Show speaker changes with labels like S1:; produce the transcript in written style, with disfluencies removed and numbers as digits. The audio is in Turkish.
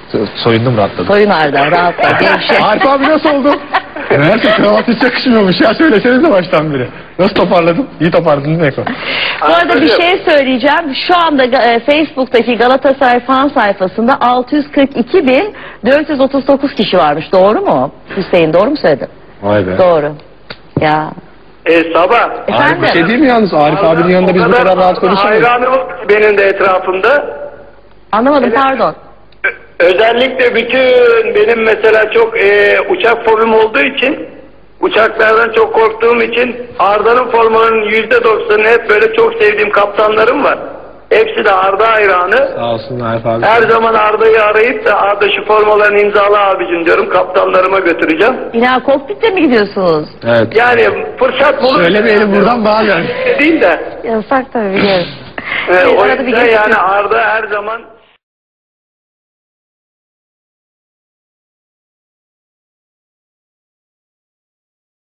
S1: Soyundum, rahatladım.
S2: Soyun Arda, rahatla, gevşe.
S1: Arif abi nasıl oldu? Meğerse kravat hiç yakışmıyormuş ya, söylesenize baştan biri. Nasıl toparladın? İyi toparladın Eko.
S2: Bu arada bir şey söyleyeceğim. Şu anda Facebook'taki Galatasaray fan sayfasında 642.439 kişi varmış. Doğru mu? Hüseyin doğru mu söyledim?
S1: Vay be.
S2: Doğru. Ya.
S3: Sabah.
S2: Efendim?
S1: Arif bir şey değil mi yalnız? Arif abinin yanında biz bu kadar rahat konuşuyoruz.
S3: Hayranım benim de etrafımda.
S2: Anlamadım, pardon.
S3: Özellikle bütün benim mesela çok uçak fobim olduğu için, uçaklardan çok korktuğum için Arda'nın formalarının %90'ını hep böyle çok sevdiğim kaptanlarım var. Hepsi de Arda hayranı.
S1: Sağ olsun Arif abi.
S3: Her zaman Arda'yı arayıp da Arda şu formalarını imzala abicim diyorum, kaptanlarıma götüreceğim.
S2: Bina kokpitte mi gidiyorsunuz?
S1: Evet.
S3: Yani fırsat bulur.
S1: Söylemeyelim buradan bağlı.
S3: Değil de.
S2: Yasak tabii, biliyoruz.
S3: O
S2: Arada bir
S3: yüzden
S2: geçiyor.
S3: yani Arda her zaman